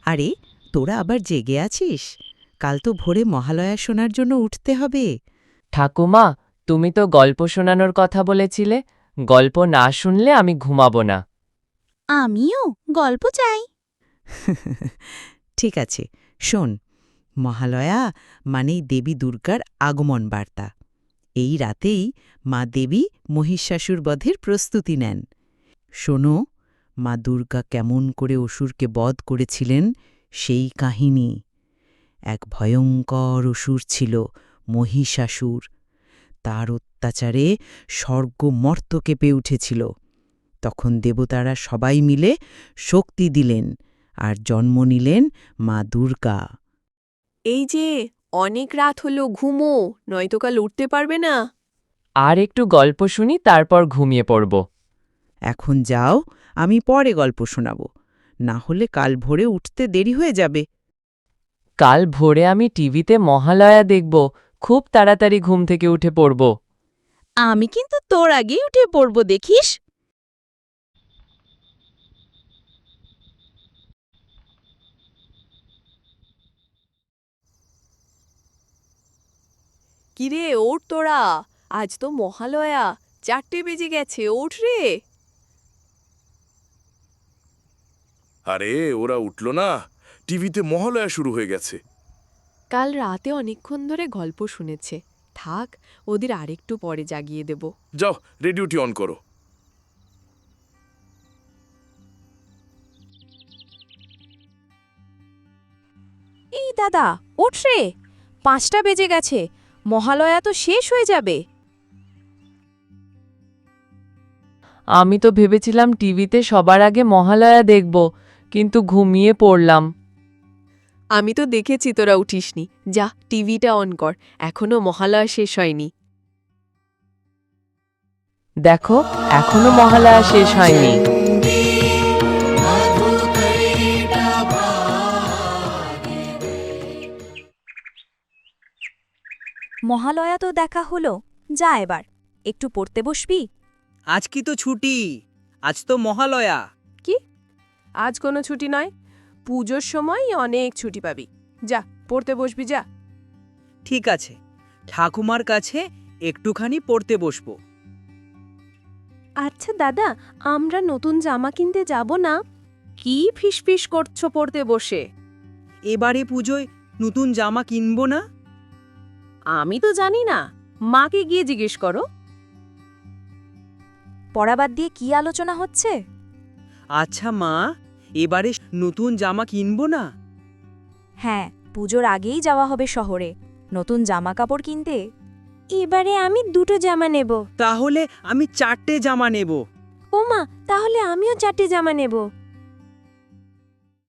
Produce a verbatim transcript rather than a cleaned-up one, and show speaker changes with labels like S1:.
S1: আরে, তোরা আবার জেগে আছিস? কাল তো ভোরে মহালয়া শোনার জন্য উঠতে হবে।
S2: ঠাকুমা, তুমি তো গল্প শোনানোর কথা বলেছিলে। গল্প না শুনলে আমি ঘুমাবো না।
S3: আমিও গল্প চাই।
S1: ঠিক আছে, শোন। মহালয়া মানেই দেবী দুর্গার আগমন বার্তা। এই রাতেই মা দেবী মহিষাসুর বধের প্রস্তুতি নেন। শোনো, মা দুর্গা কেমন করে অসুরকে বধ করেছিলেন সেই কাহিনী। এক ভয়ঙ্কর অসুর ছিল মহিষাসুর। তার অত্যাচারে স্বর্গ মর্ত কেঁপে উঠেছিল। তখন দেবতারা সবাই মিলে শক্তি দিলেন আর জন্ম নিলেন মা দুর্গা।
S4: এই যে অনেক রাত হলো, ঘুমো, নয়তো কাল উঠতে পারবে না।
S2: আর একটু গল্প শুনি, তারপর ঘুমিয়ে পড়ব।
S1: এখন যাও, আমি পরে গল্প শোনাব, না হলে কাল ভোরে উঠতে দেরি হয়ে যাবে।
S2: কাল ভোরে আমি টিভিতে মহালয়া দেখব। খুব তাড়াতাড়ি ঘুম থেকে উঠে পড়ব।
S3: আমি কিন্তু তোর আগেই উঠে পড়ব, দেখিস।
S4: কিরে, ওঠ তোরা, আজ তো মহালয়া, চারটে বেজে গেছে, ওঠ রে।
S5: আরে ওরা উঠল না, টিভিতে মহালয়া শুরু হয়ে গেছে।
S4: কাল রাতে অনেকক্ষণ ধরে গল্প শুনেছে, থাক, ওদের আরেকটু পরে জাগিয়ে দেব।
S5: যাও, রেডিওটি অন করো।
S3: এই দাদা, ওঠ রে, পাঁচটা বেজে গেছে, মহালয়া তো শেষ হয়ে যাবে।
S2: আমি তো ভেবেছিলাম টিভিতে সবার আগে মহালয়া দেখব, কিন্তু ঘুমিয়ে পড়লাম।
S4: আমি তো দেখেছি তোরা উঠিসনি। যা, টিভিটা অন কর, এখনো মহালয়া শেষ হয়নি।
S2: দেখো, এখনো মহালয়া শেষ হয়নি।
S3: মহালয়া তো দেখা হলো, যা এবার একটু পড়তে বসবি।
S6: আজ কি তো ছুটি, আজ তো মহালয়া।
S4: কি? আজ কোনো ছুটি নয়, পুজোর সময় অনেক ছুটি পাবি। যা, পড়তে বসবি, যা।
S6: ঠিক আছে, ঠাকুমার কাছে একটুখানি পড়তে বসবো।
S4: আচ্ছা দাদা, আমরা নতুন জামা কিনতে যাব না? কি ফিসফিস করছো পড়তে বসে?
S6: এবারে পুজোয় নতুন জামা কিনবো না।
S4: আমি তো জানি না, মাকে গিয়ে জিজ্ঞেস করো।
S3: পড়াবাদ দিয়ে কি আলোচনা হচ্ছে?
S6: আচ্ছা মা, এবারে নতুন জামা কিনবো না।
S3: হ্যাঁ, পুজোর আগেই যাওয়া হবে শহরে নতুন জামা কাপড় কিনতে। এবারে আমি দুটো জামা নেব।
S6: তাহলে আমি চারটে জামা নেব।
S3: ওমা, তাহলে আমিও চারটে জামা নেব।